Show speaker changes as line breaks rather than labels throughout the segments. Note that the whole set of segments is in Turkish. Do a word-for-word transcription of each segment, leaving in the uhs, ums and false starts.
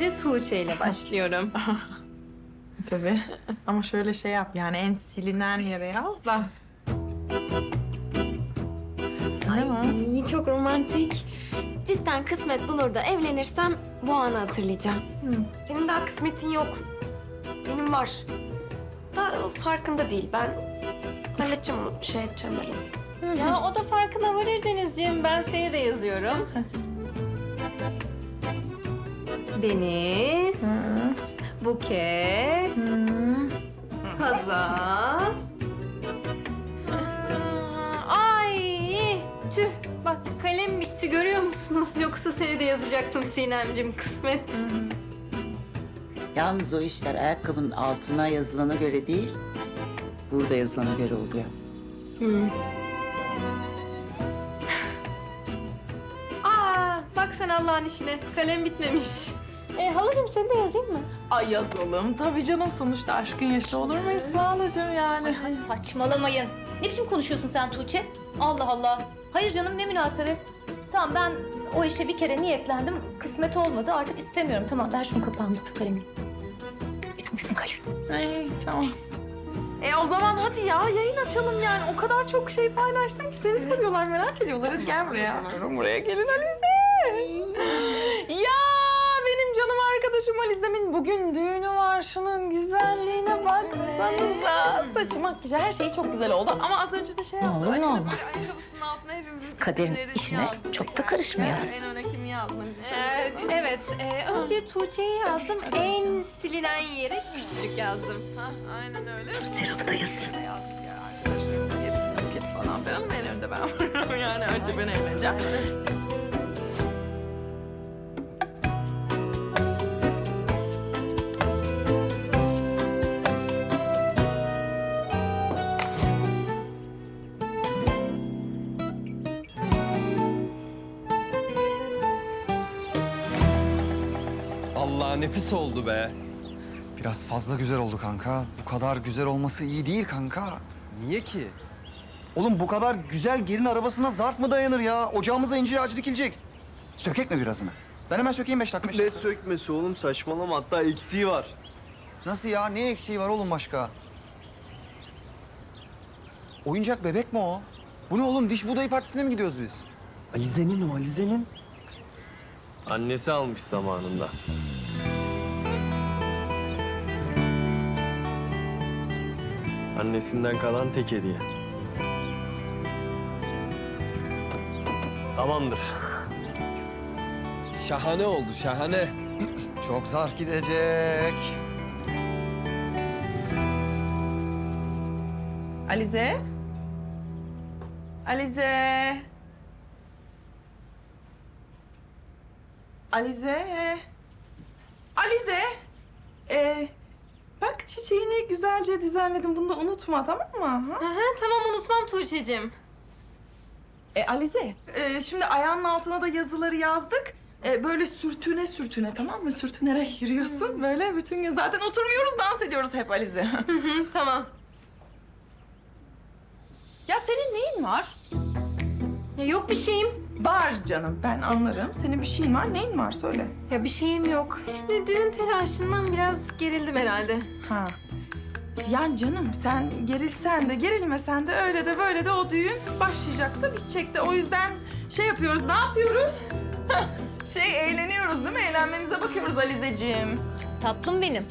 önce Tuğçe ile başlıyorum.
Tabii. Ama şöyle şey yap yani en silinen yere yaz da.
Ay çok romantik. Cidden kısmet bulur da evlenirsem bu anı hatırlayacağım.
Senin daha kısmetin yok. Benim var. Da farkında değil. Ben halledeceğim onu, şey edeceğim ben.
Ya o da farkına varır Denizciğim. Ben seni de yazıyorum. Deniz, Buket, Hazal. Ay tüh. Bak kalem bitti görüyor musunuz? Yoksa seni de yazacaktım Sinemciğim kısmet.
Yalnız o işler ayakkabının altına yazılana göre değil, burada yazılana göre oluyor.
Aa bak sen Allah'ın işine. Kalem bitmemiş. E, halacığım seni de yazayım mı?
Ay yazalım. Tabii canım sonuçta aşkın yaşı olur mu Esma halacığım yani?
Saçmalamayın. Ne biçim konuşuyorsun sen Tuğçe? Allah Allah. Hayır canım ne münasebet. Tamam ben o işe bir kere niyetlendim. Kısmet olmadı artık istemiyorum. Tamam ver şunu kapağımda kalemi. Bitmesin kalem.
Ay tamam. E o zaman hadi ya yayın açalım yani. O kadar çok şey paylaştım ki seni soruyorlar merak ediyorlar. Hadi gel buraya. Buraya gelin Alize. Ya benim canım arkadaşım Alize'min bugün düğünü var. Şunun güzelliğine baksanıza. Saçı, makyajı her şeyi çok güzel oldu. Ama az önce de şey yaptı.
olur ne
Alize
olmaz.
ayakkabısının altına hepimizin
kaderin
isimlerini
işine
yazdı.
çok da karışmayalım.
En öne kimi yazdın?
Ee, evet. e, önce Tuğçe'yi yazdım. En silinen yere küçücük yazdım.
Ha, aynen öyle.
Serap'ı da yazayım.
Yazdık ya arkadaşlarımız gerisini buket falan filan. En önde ben varım yani önce ben evleneceğim.
Allah nefis oldu be.
Biraz fazla güzel oldu kanka. Bu kadar güzel olması iyi değil kanka.
Niye ki?
Oğlum bu kadar güzel gelin arabasına zarf mı dayanır ya? Ocağımıza incir ağacı dikilecek. Sökek mi birazını? Ben hemen sökeyim beş dakika. beş
Ne
dakika.
sökmesi oğlum saçmalama hatta eksiği var.
Nasıl ya? Ne eksiği var oğlum başka? Oyuncak bebek mi o? Bu ne oğlum? Diş buğdayı partisine mi gidiyoruz biz?
Alize'nin o Alize'nin.
Annesi almış zamanında. Annesinden kalan tek hediye. Tamamdır. Şahane oldu, şahane.
Çok zarf gidecek.
Alize. Alize. Alize. Alize. Ee, bak çiçeğini güzelce düzenledim. Bunu da unutma tamam mı? Ha?
Hı hı, tamam unutmam Tuğçe'cim.
E, Alize, e, şimdi ayağının altına da yazıları yazdık. E, böyle sürtüne sürtüne tamam mı? Sürtünerek yürüyorsun. Böyle bütün gün zaten oturmuyoruz, dans ediyoruz hep Alize.
Hı hı, tamam.
Ya senin neyin var?
Ya yok bir şeyim.
Var canım, ben anlarım. Senin bir şeyin var. Neyin var? Söyle.
Ya bir şeyim yok. Şimdi düğün telaşından biraz gerildim herhalde.
Ha. Yani canım sen gerilsen de gerilmesen de öyle de böyle de o düğün başlayacak da bitecek de. O yüzden şey yapıyoruz, ne yapıyoruz? şey eğleniyoruz değil mi? Eğlenmemize bakıyoruz Alizeciğim.
Tatlım benim.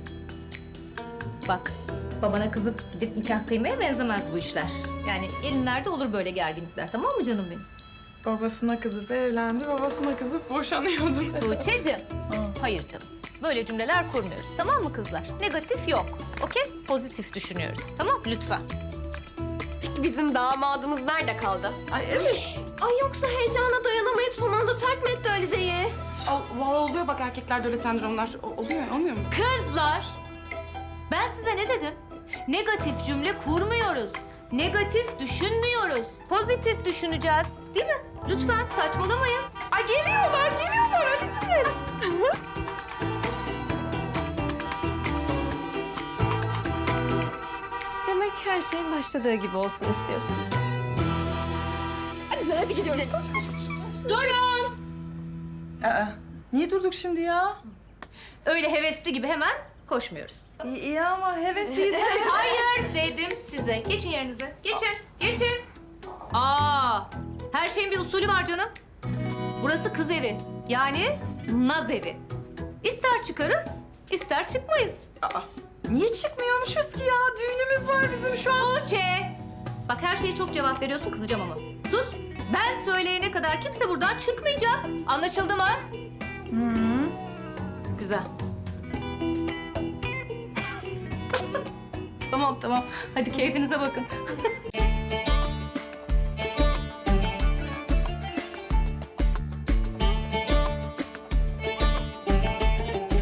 Bak babana kızıp gidip nikah kıymaya benzemez bu işler. Yani elinlerde olur böyle gerginlikler tamam mı canım benim?
Babasına kızıp evlendi, babasına kızıp boşanıyordu.
Tuğçe'cim. Hayır canım. Böyle cümleler kurmuyoruz tamam mı kızlar? Negatif yok. Okey? Pozitif düşünüyoruz. Tamam lütfen.
Bizim damadımız nerede kaldı?
Ay evet.
Ay yoksa heyecana dayanamayıp son anda terk mi etti Alize'yi?
Valla oluyor bak erkeklerde öyle sendromlar. O- oluyor olmuyor mu?
Kızlar! Ben size ne dedim? Negatif cümle kurmuyoruz. Negatif düşünmüyoruz. Pozitif düşüneceğiz. Değil mi? Lütfen saçmalamayın.
Ay geliyorlar, geliyorlar Alize.
Demek her şey başladığı gibi olsun istiyorsun.
Alize hadi gidiyoruz. Koş, koş, koş, koş. Durun. Aa, niye durduk şimdi ya?
Öyle hevesli gibi hemen koşmuyoruz.
İyi, iyi ama hevesliyiz.
Hayır dedim size. Geçin yerinize. Geçin, geçin. Aa, her şeyin bir usulü var canım. Burası kız evi. Yani naz evi. İster çıkarız, ister çıkmayız.
Aa, niye çıkmıyormuşuz ki ya? Düğünümüz var bizim şu an.
Tuğçe. Bak her şeye çok cevap veriyorsun, kızacağım ama. Sus. Ben söyleyene kadar kimse buradan çıkmayacak. Anlaşıldı mı? Güzel. Tamam tamam. Hadi keyfinize bakın.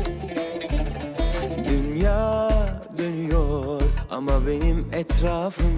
Dünya dönüyor ama benim etrafım